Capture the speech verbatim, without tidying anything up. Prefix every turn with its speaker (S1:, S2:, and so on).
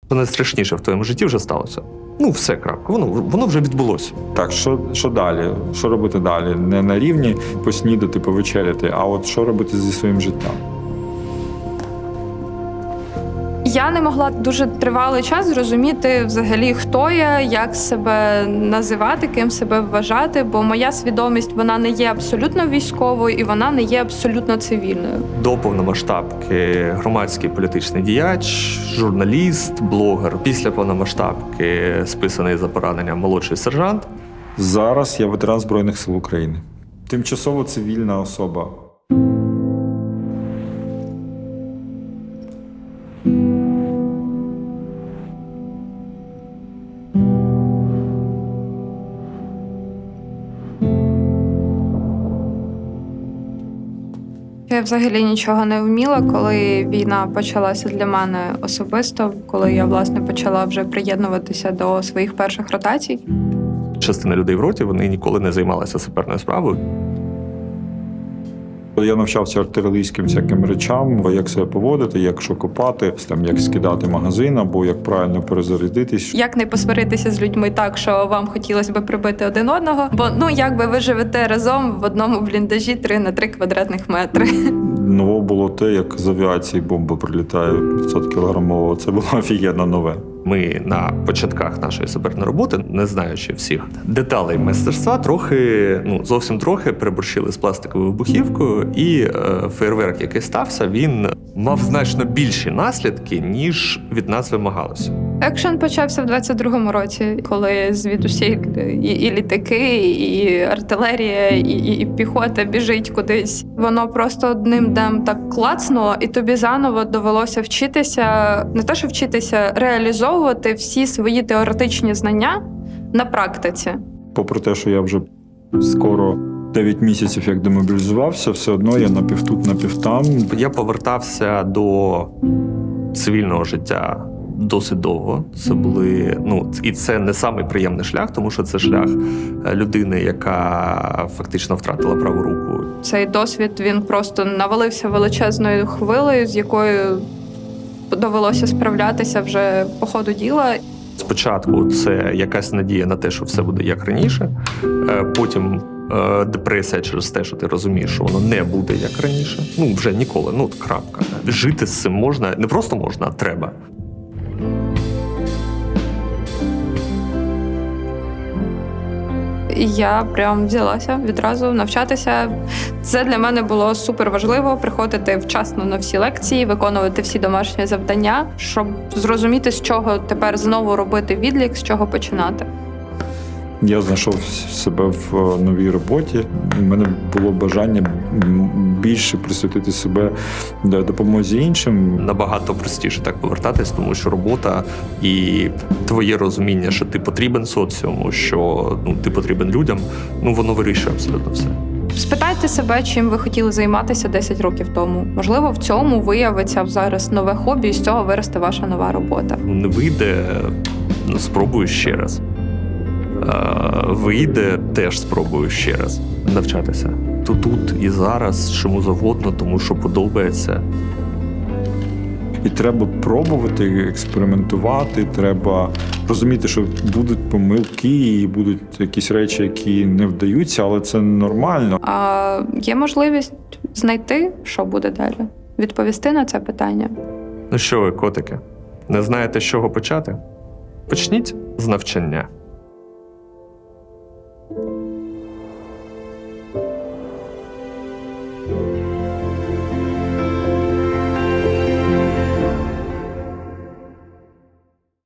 S1: Що найстрашніше в твоєму житті вже сталося. Ну, все, крапка. Воно, воно вже відбулося.
S2: Так, що, що далі? Що робити далі? Не на рівні поснідати, повечеряти, а от що робити зі своїм життям?
S3: Я не могла дуже тривалий час зрозуміти взагалі, хто я, як себе називати, ким себе вважати, бо моя свідомість, вона не є абсолютно військовою і вона не є абсолютно цивільною.
S1: До повномасштабки громадський політичний діяч, журналіст, блогер. Після повномасштабки списаний за поранення молодший сержант.
S2: Зараз я ветеран Збройних сил України. Тимчасово цивільна особа.
S3: Я взагалі нічого не вміла, коли війна почалася для мене особисто, коли я, власне, почала вже приєднуватися до своїх перших ротацій.
S1: Частина людей в роті, вони ніколи не займалися саперною справою.
S2: Я навчався артилерійським всяким речам, як себе поводити, як що копати, там, як скидати магазин, або як правильно перезарядитись.
S3: Як не посваритися з людьми так, що вам хотілося б прибити один одного, бо ну якби ви живете разом в одному бліндажі три на три квадратних метри.
S2: Ново було те, як з авіації бомба прилітає п'ятсот кілограмова. Це було офігенно нове.
S1: Ми на початках нашої саперної роботи, не знаючи всіх деталей мистецтва, трохи, ну зовсім трохи переборщили з пластиковою вибухівкою, і е, фейерверк, який стався, він мав значно більші наслідки, ніж від нас вимагалося.
S3: Екшен почався в двадцять другому році, коли звідусіль і, і літаки, і артилерія, і, і, і піхота біжить кудись. Воно просто одним днем так клацнуло, і тобі заново довелося вчитися, не те, що вчитися, реалізовувати всі свої теоретичні знання на практиці.
S2: Попри те, що я вже скоро дев'ять місяців як демобілізувався, все одно я напівтут, напівтам.
S1: Я повертався до цивільного життя досить довго. Це були, ну, і це не самий приємний шлях, тому що це шлях людини, яка фактично втратила праву руку.
S3: Цей досвід, він просто навалився величезною хвилею, з якою довелося справлятися вже по ходу діла.
S1: Спочатку це якась надія на те, що все буде як раніше, потім депресія через те, що ти розумієш, що воно не буде як раніше. Ну, вже ніколи, ну, крапка. Жити з цим можна, не просто можна, а треба.
S3: І я прям взялася відразу навчатися. Це для мене було супер важливо — приходити вчасно на всі лекції, виконувати всі домашні завдання, щоб зрозуміти, з чого тепер знову робити відлік, з чого починати.
S2: Я знайшов себе в новій роботі. У мене було бажання більше присвятити себе допомозі іншим.
S1: Набагато простіше так повертатись, тому що робота і твоє розуміння, що ти потрібен соціуму, що ну, ти потрібен людям, ну воно вирішує абсолютно все.
S3: Спитайте себе, чим ви хотіли займатися десять років тому. Можливо, в цьому виявиться зараз нове хобі, і з цього виросте ваша нова робота.
S1: Ну, не вийде, ну, спробую ще раз. Вийде, теж спробую ще раз навчатися. То тут і зараз, чому завгодно, тому що подобається.
S2: І треба пробувати, експериментувати, треба розуміти, що будуть помилки і будуть якісь речі, які не вдаються, але це нормально.
S3: А є можливість знайти, що буде далі, відповісти на це питання.
S1: Ну що ви, котики, не знаєте, з чого почати? Почніть з навчання.